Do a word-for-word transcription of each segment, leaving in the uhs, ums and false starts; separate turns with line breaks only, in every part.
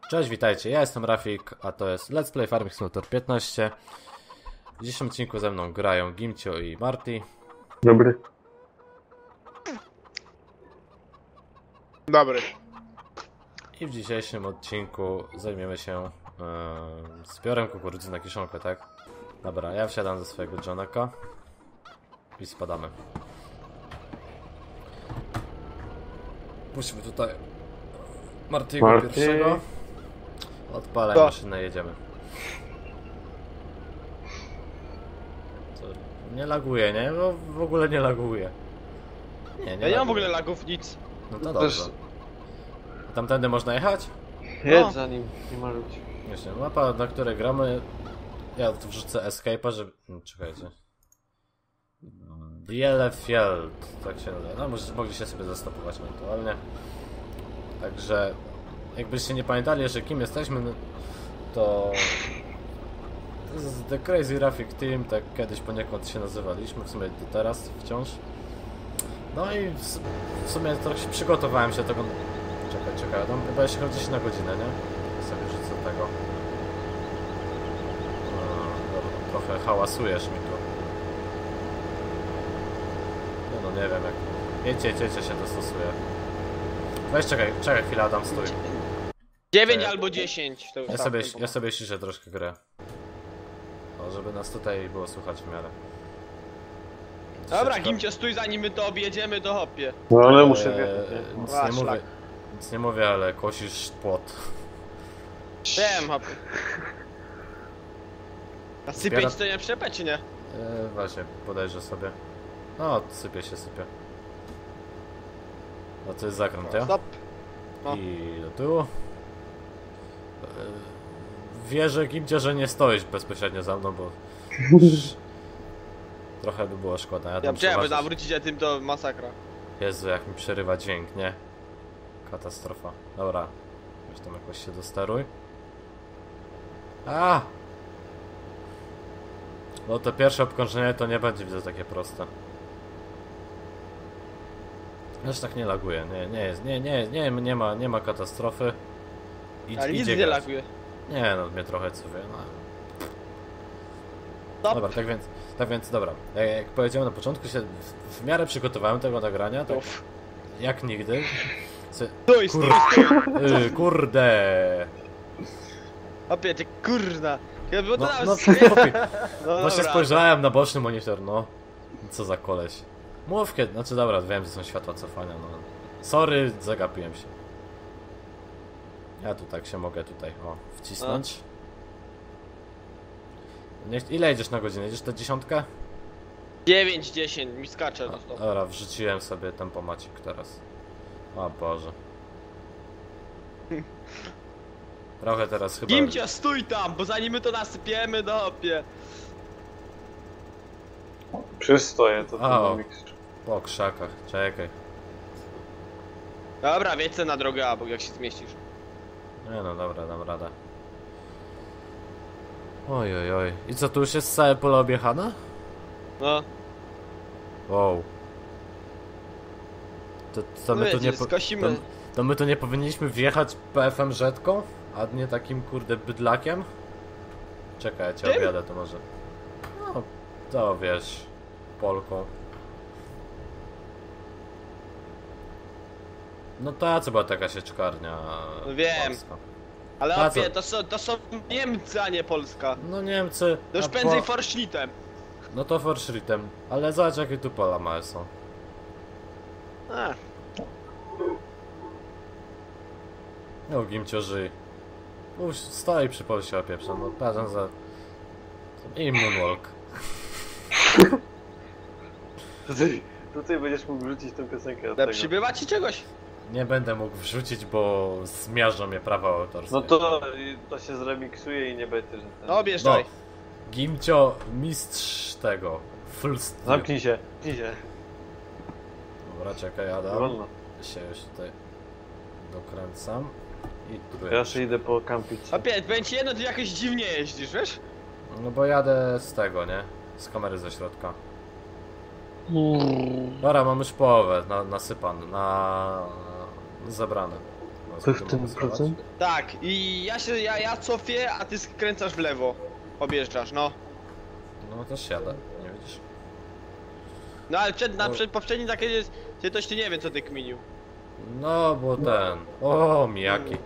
Cześć, witajcie, ja jestem Rafik, a to jest Let's Play Farming Simulator piętnaście. W dzisiejszym odcinku ze mną grają Gimcio i Marty.
Dobry.
Dobry.
I w dzisiejszym odcinku zajmiemy się yy, zbiorem kukurydzy na kiszonkę, tak? Dobra, ja wsiadam ze swojego Johnaka i spadamy. Puśćmy tutaj Marty'ego
Marty.
pierwszego. Odpalaj
To.
maszynę, jedziemy. Co? Nie laguje, nie? No, w ogóle nie laguje. Nie, nie
Ja nie
laguje.
mam w ogóle lagów, nic.
No to
Też-
dobrze. A tamtędy można jechać?
Jedź
No.
za nim, nie ma ludzi.
Właśnie, mapa, na której gramy. Ja tu wrzucę escape'a, żeby... Hmm, czekajcie. Bielefeld, tak się nazywa. No, może mogliście sobie zastopować ewentualnie. Także, jakbyście nie pamiętali, że kim jesteśmy, no, to... To jest The Crazy Rafik Team, tak kiedyś poniekąd się nazywaliśmy, w sumie do teraz wciąż. No i w, s- w sumie trochę się przygotowałem się do tego... Czekaj, czekaj, no chyba jeszcze chodzi na godzinę, nie? Sobie rzucę tego. No, dobra, trochę hałasujesz mi tu. No, no nie wiem jak... Jedźcie, jedźcie, się dostosuje. Weź czekaj, czekaj chwilę, Adam, stój.
dziewięć
To ja-
albo dziesięć. To już
Ja
tam
sobie,
tempo.
ja sobie ściszę troszkę grę. O, żeby nas tutaj było słychać w miarę.
Dobra,
Troszeczkę-
Gimcio, stój, zanim my to objedziemy, to hopie.
No ale muszę
Eee,
wjechać, nie?
nic
A,
nie mówię,
szlak.
nic nie mówię, ale kosisz płot.
Wiem, hopie. A sypieć
Zbiera-
to nie przepę, czy nie?
E, właśnie, podejrzę sobie. No, sypie się, sypie. No to jest zakręt, ja?
Stop. No.
I do tyłu. E, wierzę, Gimcie, że nie stoisz bezpośrednio za mną, bo... Trochę by było szkoda. Ja
Ja
tam
chciałem
przeważnie-
zawrócić, a tym to masakra.
Jezu, jak mi przerywa dźwięk, nie? Katastrofa. Dobra. Weź tam jakoś się dosteruj. A! No to pierwsze obkrążenie to nie będzie, widzę, takie proste. Aż tak nie laguje, nie, nie jest, nie, nie, nie, nie ma, nie ma katastrofy. Idź,
Ale nic
idzie
nie
grać.
laguje.
Nie no, mnie trochę cuje, no.
Stop.
Dobra, tak więc, tak więc, dobra. Jak, jak powiedziałem na początku, się w, w miarę przygotowałem tego nagrania, tak
Uff.
jak nigdy. Se,
Stój, stój,
Kur-
stój.
yy, kurde!
Hopie, ty kurna. Ja bo to
No,
nawet
no,
skie-
chłopie,
no
właśnie
dobra.
spojrzałem na boczny monitor, no. Co za koleś. Mów kiedy, znaczy dobra, wiem, że są światła cofania, no. Sorry, zagapiłem się. Ja tu tak się mogę tutaj, o, wcisnąć. Nie, ile jedziesz na godzinę? Jedziesz tę dziesiątkę?
dziewięć, dziesięć, mi skacze. No, stop.
Dobra, wrzuciłem sobie tempomacik teraz. O Boże. Trochę teraz chyba...
Gimcio, stój tam, bo zanim my to nasypiemy, to hopie.
Przystoję to
A, o.
ten miks.
Po krzakach, czekaj.
Dobra, wiecie na drogę, a bo jak się zmieścisz.
Nie no, dobra, dam radę. Oj, oj, oj. I co, tu już jest całe pole objechane?
No,
Wow. To, to my tu
wiecie,
nie po... to,
skosimy.
to my tu nie powinniśmy wjechać P F M rzetką? A nie takim kurde bydlakiem? Czekaj, ja cię
Czym?
objadę to może. No, to wiesz, Polką. No ta co była taka sieczkarnia
No wiem.
polska.
Ale
A co?
opie, to są, to są Niemcy, a nie Polska.
No Niemcy...
To już
a
prędzej
po-
Forschlitem.
No to Forschrittem. Ale zobacz jakie tu pola małe są.
A,
No Gimcio żyj. Uż, stoi przy Polsie opieprza, no patrzę za... I moonwalk.
Tutaj, tutaj będziesz mógł wrzucić tę piosenkę od
ale
tego.
przybywa ci czegoś?
Nie będę mógł wrzucić, bo zmiażdżą mnie prawa autorskie.
No to, to się zremiksuje i nie będzie, że ten...
No objeżdżaj.
Gimcio, mistrz tego. Full steel.
Zamknij się, zamknij się.
Dobra, czekaj, Adam.
Wolno.
Się już tutaj dokręcam. I tu
Ja jeszcze idę po kampić.
Opie, będzie jedno, ty jakoś dziwnie jeździsz, wiesz?
No bo jadę z tego, nie? Z kamery ze środka. Dobra, mam już połowę na, nasypan, na... zebrane. No.
fifteen procent?
Tak, i ja się, ja, ja cofię, a ty skręcasz w lewo. Objeżdżasz, no.
No też jadę, nie widzisz?
No ale przed, na
No.
przed, poprzednim takie jest, ty toś ty nie wiem co ty kminił.
No bo ten... O, mijaki.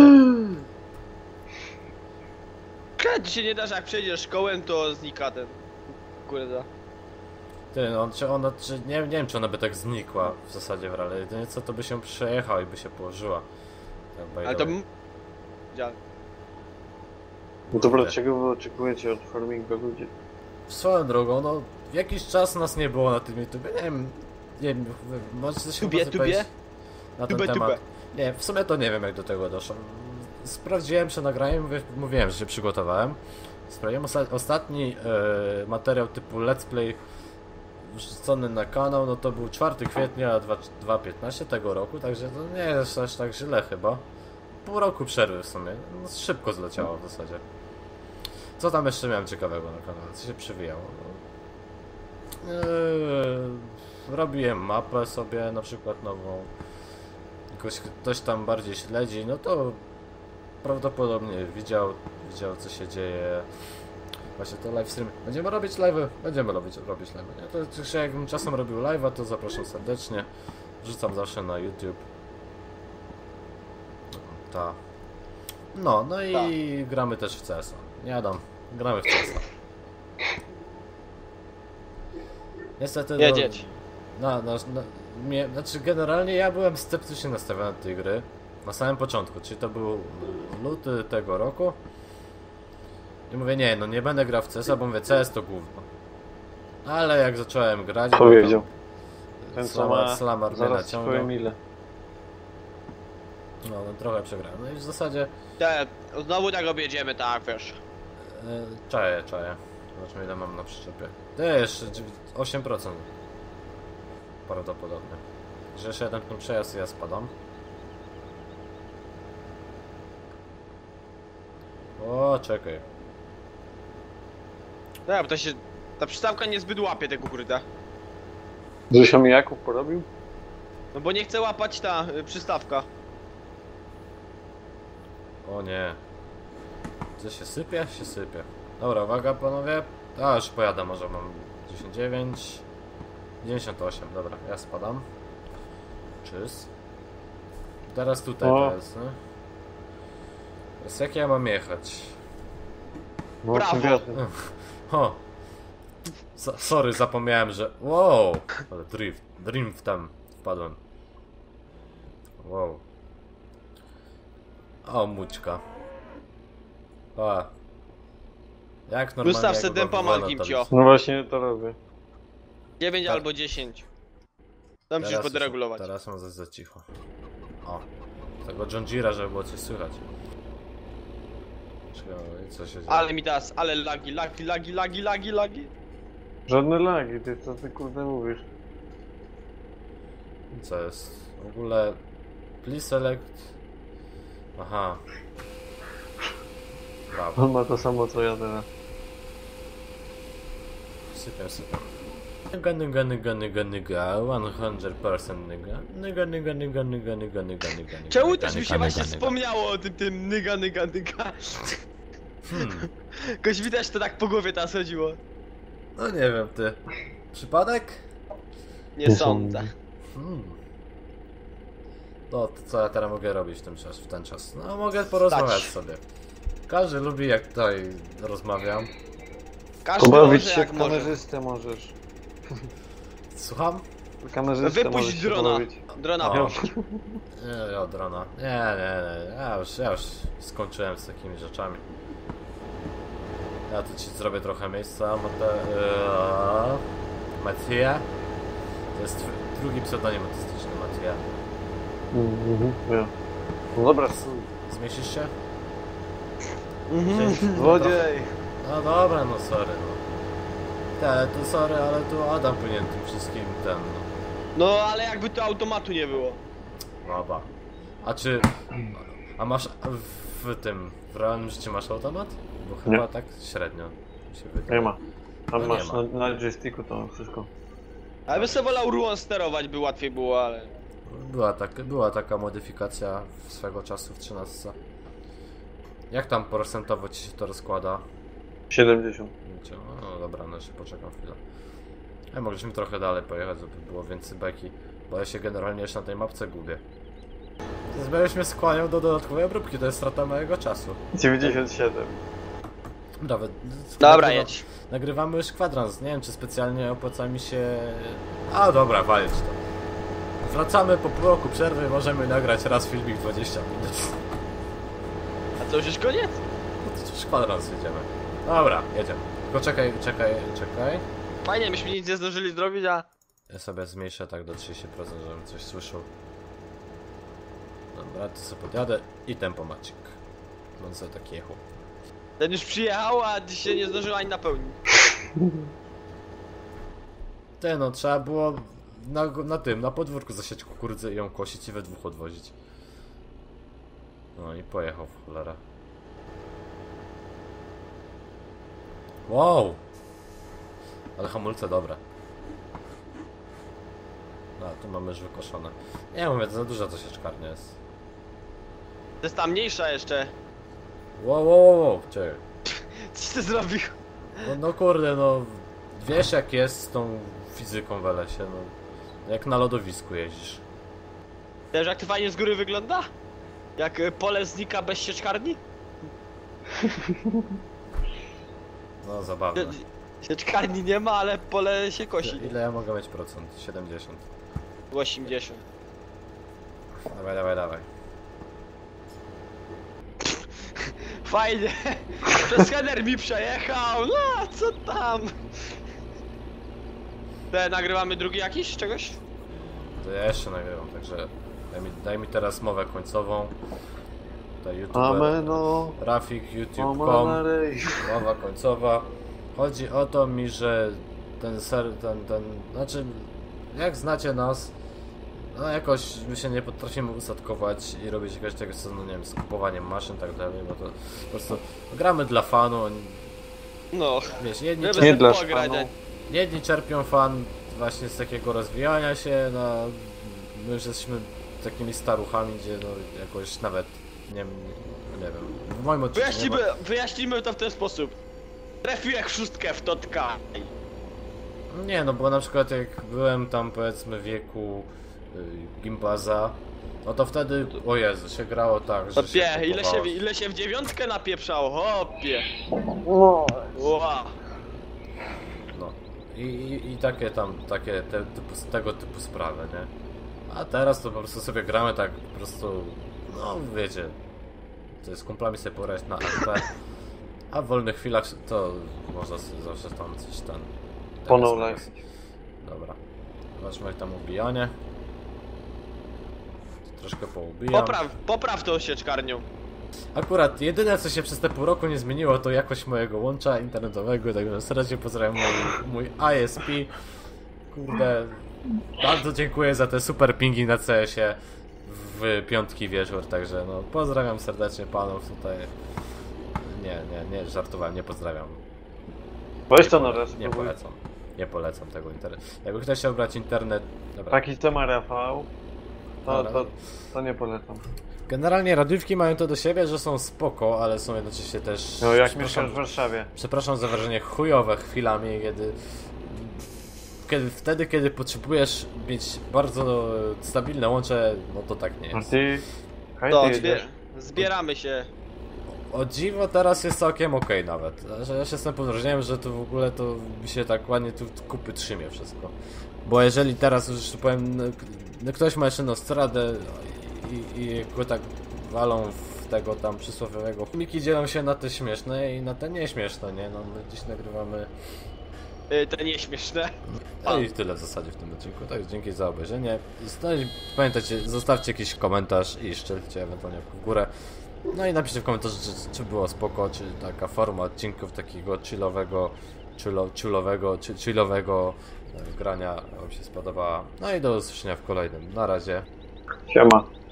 Kiedy się nie da, że jak przejdziesz szkołę, to znika ten. Kurde.
Ty, on, czy ona, czy, nie, nie wiem czy ona by tak znikła w zasadzie w rally. Jedynie co to by się przejechała i by się położyła. Tak, by
Ale
the
to...
way.
m- Dzial.
No dobra, czego wy oczekujecie od farminga ludzie?
Swoją drogą, no jakiś czas nas nie było na tym YouTube. Nie wiem, nie wiem, możecie coś
Tubie,
chyba
tubie?
na ten
Tubie,
temat.
tubie.
Nie, w sumie to nie wiem jak do tego doszło. Sprawdziłem przed nagraniem, mówię, mówiłem, że się przygotowałem. Sprawdziłem osta ostatni e, materiał typu let's play wrzucony na kanał, no to był czwartego kwietnia dwa tysiące piętnastego tego roku, także to nie jest aż tak źle chyba. Pół roku przerwy w sumie, no, szybko zleciało w zasadzie. Co tam jeszcze miałem ciekawego na kanale, co się przywijało? No, yy, robiłem mapę sobie na przykład nową. Ktoś, ktoś tam bardziej śledzi, no to prawdopodobnie widział, widział co się dzieje. Właśnie to live stream. Będziemy robić live'y? Będziemy robić, robić live'y. Nie? To, że jakbym czasem robił live'a, to zapraszam serdecznie. Wrzucam zawsze na YouTube. Ta. No, no i
Ta.
gramy też w C S a. Nie Adam, gramy w C S a. Niestety no,
Jedzieć.
na, na, na, mnie, znaczy generalnie ja byłem sceptycznie nastawiony do tej gry na samym początku, czyli to był luty tego roku. I mówię, nie, no nie będę grał w C S a, bo mówię, C S to gówno. Ale jak zacząłem grać,
Powiedział. Ten co
Slamar,
ma
Slamar mnie
zaraz swoje
naciągnął.
mile.
No, no trochę przegrałem. No i w zasadzie
Te, znowu tak objedziemy, tak wiesz.
yy, czaję, czaję. Zobaczmy ile mam na przyczepie. To jeszcze osiem procent. Prawdopodobnie. Że jeszcze jeden ten przejazd i ja spadam. O, czekaj.
Tak, bo to się... Ta przystawka niezbyt łapie tego kurde.
Że się mijaków porobił?
No bo nie chce łapać ta y, przystawka.
O nie. Co się sypie? Się sypie. Dobra, uwaga panowie. A, już pojadę, może mam dziewięćdziesiąt dziewięć. dziewięćdziesiąt osiem, dobra, ja spadam. Czyz. Teraz tutaj
O.
to jest, nie? Teraz jak ja mam jechać?
No,
Brawo.
tym wiatrem.
O! So, sorry, zapomniałem, że... Wow! Ale drift, drift tam wpadłem. Wow. O, mućka. A. Jak normalnie...
Gustaw
jak
se
go
dępa
wywalę,
malkim
to
cio.
jest-
No właśnie to robię.
dziewięć
Tak.
albo dziesięć. Tam musisz
Teraz już-
podregulować.
Teraz mam za, za cicho. O. Tego John Deere'a, żeby było coś słychać. Czekaj, co się dzieje?
Ale mi teraz, ale lagi, lagi, lagi, lagi, lagi, lagi.
Żadne lagi, ty co ty kurde mówisz?
Co jest? W ogóle... Please select... Aha. Brawo.
On ma to samo co ja teraz.
Sypiam, sypiam. Nyga, nyga, nyga, nyga, nyga, sto procent nyga. Nyga, nyga, nyga, nyga, nyga, nyga, nyga, nyga.
Czemu
nyga,
też mi
nyga,
się właśnie
nyga, nyga.
wspomniało o tym, tym nyga, nyga, nyga.
Hmm.
Koś widać to tak po głowie teraz chodziło.
No nie wiem, ty. Przypadek?
Nie
Nie
sądzę.
sądzę.
Hmm. No, to co ja teraz mogę robić w ten czas? W ten czas? No, mogę porozmawiać
Stać.
sobie. Każdy lubi, jak tutaj rozmawiam.
Każdy
Pobawić
może
się
jak
w
może.
kamerzystę możesz.
Słucham?
W kamerzystę
Wypuść
możesz się
drona.
pobawić.
Drona
O.
wypuść.
Nie, ja drona. Nie, nie, nie. Ja już, ja już skończyłem z takimi rzeczami. Ja tu ci zrobię trochę miejsca. Mate... Eee... Matija. To jest tw- drugi pseudonim artystyczny, Matija.
Mhm, ja. No dobra, stój.
Zmieścisz się?
Mhm.
Złodziej!
No dobra, no sorry, no. Te, to sorry, ale tu Adam powinien tym wszystkim ten, no.
No ale jakby to automatu nie było.
Dobra. A czy... A masz w tym... W realnym życiu masz automat? Bo chyba
Nie.
tak średnio mi się wydaje.
Nie ma. Tam
No
masz
nie ma.
na, na joysticku to wszystko.
Ale bym sobie wolał rułą sterować, by łatwiej było, ale...
Była, tak, była taka modyfikacja swego czasu w trzynastce. Jak tam procentowo ci się to rozkłada?
siedemdziesiąt.
No dobra, no jeszcze poczekam chwilę. Ja mogliśmy trochę dalej pojechać, żeby było więcej beki, bo ja się generalnie jeszcze na tej mapce gubię. Zbierz mnie skłaniał do dodatkowej obróbki, to jest strata mojego czasu.
dziewięćdziesiąt siedem.
Nawet.
Dobra,
nagrywa-
jedź.
Nagrywamy już kwadrans, nie wiem czy specjalnie opłaca mi się... A dobra, walić to. Wracamy po pół roku przerwy, możemy nagrać raz filmik dwadzieścia minut.
A to już jest koniec?
No to już kwadrans jedziemy. Dobra, jedziemy. Tylko czekaj, czekaj, czekaj.
Fajnie, myśmy nic nie zdążyli zrobić, a...
Ja sobie zmniejszę tak do trzydziestu procent, żebym coś słyszał. Dobra, to sobie podjadę i tempomacik. Będę sobie taki jechał.
Ten już przyjechał, a dzisiaj nie zdążył ani napełnić.
Ty no, trzeba było na, na tym, na podwórku zasiać kukurydzę i ją kosić i we dwóch odwozić. No i pojechał w cholerę. Wow! Ale hamulce dobre. No, tu mamy już wykoszone. Nie mówię, to za duża to sieczkarnia jest.
To jest ta mniejsza jeszcze.
Wow, wow, wow, wow. Czekaj.
Coś ty zrobił?
No, no kurde, no wiesz jak jest z tą fizyką w lesie, no. Jak na lodowisku jeździsz.
Wiesz jak to fajnie z góry wygląda? Jak y, pole znika bez sieczkarni?
No zabawne.
Sieczkarni nie ma, ale pole się kosi.
Ile ja mogę mieć procent? siedemdziesiąt.
osiemdziesiąt.
Dawaj, dawaj, dawaj.
Fajnie. Przez header mi przejechał. No, co tam? Te, nagrywamy drugi jakiś czegoś?
To ja jeszcze nagrywam, także daj mi, daj mi teraz mowę końcową. Tutaj YouTube.
Ameno.
Rafik, YouTube kropka com.
Amanej.
Mowa końcowa. Chodzi o to mi, że ten ser, ten, ten, znaczy jak znacie nas, no jakoś my się nie potrafimy ustatkować i robić jakiegoś tego, co, no nie wiem, z kupowaniem maszyn i tak dalej, bo to po prostu gramy dla fanu,
No.
wiesz, jedni,
Żeby
czer-
Nie
sobie
dla
pograć,
szpanu.
jedni czerpią fan właśnie z takiego rozwijania się, no my już jesteśmy takimi staruchami, gdzie no jakoś nawet, nie wiem, nie wiem, w moim odczuciu nie ma-
Wyjaśnimy, wyjaśnimy to w ten sposób. Trafiłem w szóstkę w totka.
Nie, no bo na przykład jak byłem tam powiedzmy w wieku y, gimbaza, no to wtedy, o Jezu, się grało tak, że się
Hopie, ile się,
kupowało.
ile się w dziewiątkę napieprzało, hopie.
No.
Ła.
No. I, i, i takie tam, takie te, typu, tego typu sprawy, nie? A teraz to po prostu sobie gramy tak po prostu, no wiecie, to jest z kumplami sobie porać na A P, a w wolnych chwilach to można sobie zawsze tam coś tam...
Po
teraz
no
jest. Dobra. Zobaczmy jak tam ubijanie. Troszkę poubijam.
Popraw, popraw tą sieczkarnią.
Akurat jedyne co się przez te pół roku nie zmieniło to jakość mojego łącza internetowego, także serdecznie pozdrawiam mój, mój I S P. Kurde, bardzo dziękuję za te super pingi na C S ie w piątki wieczór, także no pozdrawiam serdecznie panów tutaj. Nie, nie, nie, żartowałem, nie pozdrawiam.
Weź to na raz,
Nie
spróbuj.
polecam. Nie polecam tego internetu. Jakby ktoś chciał brać internet... Dobra.
Taki co ma Rafał, to,
Dobra.
to, to nie polecam.
Generalnie radiówki mają to do siebie, że są spoko, ale są jednocześnie też...
No jak
przepraszam-
mieszkasz w Warszawie.
Przepraszam za wrażenie chujowe chwilami, kiedy, kiedy wtedy, kiedy potrzebujesz mieć bardzo stabilne łącze, no to tak nie
A
jest.
ty... Hej,
To,
ty
zbie
jedziesz.
zbieramy się.
O dziwo teraz jest całkiem okej nawet. Że ja się jestem pod wrażeniem, że to w ogóle to mi się tak ładnie tu kupy trzymie wszystko. Bo jeżeli teraz już powiem, no, no ktoś ma jeszcze nostradę i, i go tak walą w tego tam przysłowiowego. Filmiki dzielą się na te śmieszne i na te nieśmieszne, nie? No my dziś nagrywamy...
Y, to nieśmieszne.
No i tyle w zasadzie w tym odcinku. Tak, dzięki za obejrzenie. No i pamiętajcie, zostawcie jakiś komentarz i szczelcie ewentualnie w górę. No i napiszcie w komentarzu, czy, czy było spoko, czy taka forma odcinków takiego chillowego, chillo, chillowego, chi- chillowego e, grania wam się spodobała. No i do usłyszenia w kolejnym. Na razie.
Siema.